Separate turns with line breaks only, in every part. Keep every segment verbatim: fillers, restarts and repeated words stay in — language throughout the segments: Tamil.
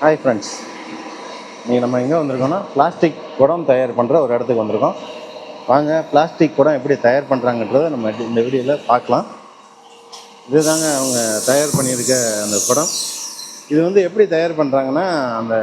ஹாய் ஃப்ரெண்ட்ஸ், நீங்கள் நம்ம எங்கே வந்திருக்கோம்னா பிளாஸ்டிக் குடம் தயார் பண்ணுற ஒரு இடத்துக்கு வந்திருக்கோம். வாங்க பிளாஸ்டிக் குடம் எப்படி தயார் பண்ணுறாங்கன்றதை நம்ம இந்த வீடியோவில் பார்க்கலாம். இதுதாங்க அவங்க தயார் பண்ணியிருக்க அந்த குடம். இது வந்து எப்படி தயார் பண்ணுறாங்கன்னா, அந்த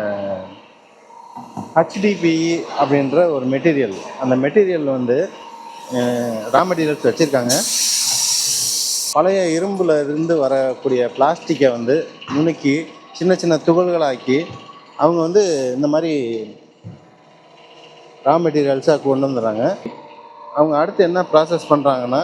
ஹெச்டிபிஇ அப்படின்ற ஒரு மெட்டீரியல், அந்த மெட்டீரியல் வந்து ரா மெட்டீரியல்ஸ் வச்சுருக்காங்க. பழைய இரும்பில் இருந்து வரக்கூடிய பிளாஸ்டிக்கை வந்து நுணுக்கி சின்ன சின்ன துகள்களாக்கி அவங்க வந்து இந்த மாதிரி ரா மெட்டீரியல்ஸாக கொண்டு வந்துடுறாங்க. அவங்க அடுத்து என்ன ப்ராசஸ் பண்ணுறாங்கன்னா,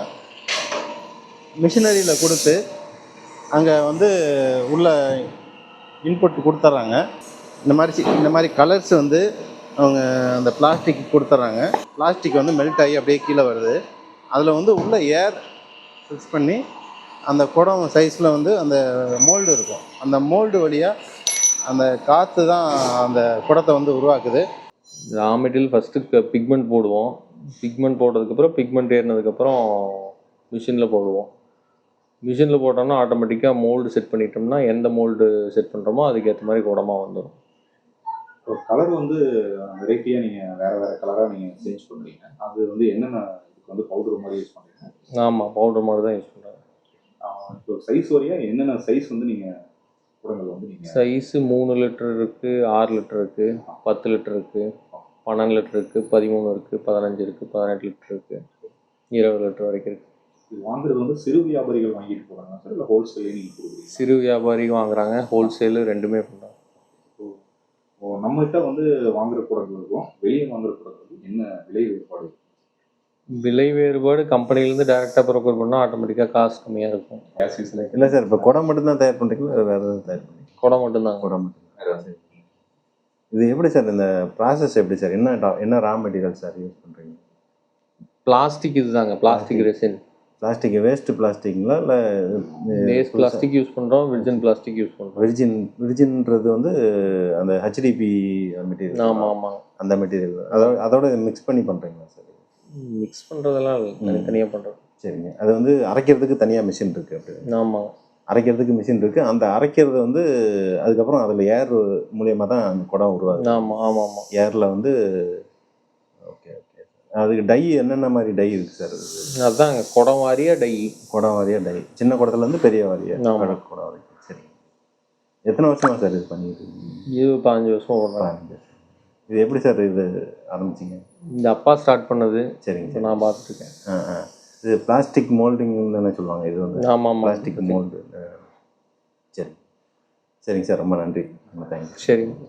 மிஷினரியில் கொடுத்து அங்கே வந்து உள்ள இன்புட் கொடுத்துட்றாங்க. இந்த மாதிரி இந்த மாதிரி கலர்ஸ் வந்து அவங்க அந்த பிளாஸ்டிக் கொடுத்துட்றாங்க. பிளாஸ்டிக் வந்து மெல்ட் ஆகி அப்படியே கீழே வருது. அதில் வந்து உள்ள ஏர் ஃபிக்ஸ் பண்ணி அந்த குடம் சைஸில் வந்து அந்த மோல்டு இருக்கும். அந்த மோல்டு வழியாக அந்த காற்று தான் அந்த குடத்தை வந்து உருவாக்குது.
ரா மெட்டீரியல் ஃபஸ்ட்டு பிக்மெண்ட் போடுவோம். பிக்மெண்ட் போட்டதுக்கப்புறம் பிக்மெண்ட் ஏறினதுக்கப்புறம் மிஷினில் போடுவோம். மிஷினில் போட்டோம்னா ஆட்டோமேட்டிக்காக மோல்டு செட் பண்ணிட்டோம்னா எந்த மோல்டு செட் பண்ணுறோமோ அதுக்கேற்ற மாதிரி குடமாக வந்துடும்.
ஒரு கலர் வந்து வெரைட்டியாக நீங்கள் வேறு வேறு கலராக நீங்கள் சேஞ்ச் பண்ணுறீங்க. அது வந்து என்னென்ன இதுக்கு வந்து பவுடர் மாதிரி யூஸ் பண்ணுறீங்க?
ஆமாம், பவுடர் மாதிரி தான் யூஸ் பண்ணுறேன்.
இப்போ சைஸ் வரையாக என்னென்ன சைஸ் வந்து நீங்கள் குடங்கள் வந்து நீங்கள்
சைஸு மூணு லிட்டர் இருக்குது, ஆறு லிட்டர் இருக்குது, பத்து லிட்டர் இருக்குது, பன்னெண்டு லிட்டர் இருக்குது, பதிமூணு இருக்குது, பதினஞ்சு இருக்குது, பதினெட்டு லிட்டர் இருக்குது, இருபது லிட்டர் வரைக்கும் இருக்குது.
இது வாங்குறது வந்து சிறு வியாபாரிகள் வாங்கிட்டு போகிறாங்க சார், இல்லை ஹோல்சேலே நீங்கள் கொடுக்குறீங்க?
சிறு வியாபாரிகள் வாங்குறாங்க, ஹோல்சேலு ரெண்டுமே பண்ணுறாங்க.
ஓ, நம்மகிட்ட வந்து வாங்குகிற குடங்களுக்கும் வெளியே வாங்குகிற குடங்களுக்கும் என்ன விலை வேறுபாடு?
விலை வேறுபாடு கம்பெனிலேருந்து டேரெக்டாக ப்ரொக்யூர் பண்ணால் ஆட்டோமேட்டிக்காக காசு கம்மியாக இருக்கும்.
கேஸ் யூஸில்
இல்லை சார், இப்போ குடம் மட்டும்தான் தயார் பண்ணுறீங்களா, வேறு எதாவது தயார் பண்ணுறீங்க?
குடம் மட்டும்தான்.
குடம் மட்டும். இது எப்படி சார், இந்த ப்ராசஸ் எப்படி சார், என்ன டா- என்ன ரா மெட்டீரியல் சார் யூஸ் பண்ணுறீங்க?
பிளாஸ்டிக் இதுதாங்க, பிளாஸ்டிக் ரெசின்.
பிளாஸ்டிக் வேஸ்ட் பிளாஸ்டிக்ங்களா இல்லை
வேஸ்ட் பிளாஸ்டிக் யூஸ் பண்ணுறோம், விர்ஜின் பிளாஸ்டிக் யூஸ் பண்ணுறோம்.
விர்ஜின் விர்ஜின்றது வந்து அந்த ஹெச்டிபி மெட்டீரியல்.
ஆமாம் ஆமாம்,
அந்த மெட்டீரியல் அதோட அதோட மிக்ஸ் பண்ணி பண்ணுறீங்களா சார்?
மிக்ஸ் பண்ணுறதெல்லாம் இல்லை, தனித்தனியாக பண்ணுறோம்.
சரிங்க. அது வந்து அரைக்கிறதுக்கு தனியாக மிஷின் இருக்குது. அப்படி
ஆமாம்,
அரைக்கிறதுக்கு மிஷின் இருக்குது. அந்த அரைக்கிறது வந்து அதுக்கப்புறம் அதில் ஏர் மூலியமாக தான் அந்த குடம் உருவாகுது.
ஆமாம் ஆமாம் ஆமாம்.
ஏரில் வந்து ஓகே ஓகே சார். அதுக்கு டை என்னென்ன மாதிரி டை இருக்குது சார்?
அதுதாங்க குடம் வாரியாக டை.
குடம் வாரியாக டை, சின்ன குடத்துலேருந்து பெரிய வாரியாக
ஆமாம்.
குடம் வரைக்கும். சரிங்க. எத்தனை வருஷமா சார் இது பண்ணிட்டு?
இது பதினஞ்சு வருஷம் ஓடுறேன்.
பதினஞ்சு. இது எப்படி சார் இது ஆரம்பிச்சிங்க?
இந்த அப்பா ஸ்டார்ட் பண்ணது.
சரிங்க
இப்போ
சார்.
நான் பார்த்துருக்கேன்.
ஆ ஆ இது பிளாஸ்டிக் மோல்டிங்னு தானே சொல்லுவாங்க? இது வந்து
ஆமாம் ஆமாம்,
பிளாஸ்டிக் மோல்டு. சரி சரிங்க சார், ரொம்ப நன்றி. ரொம்ப தேங்க்யூ.
சரிங்க.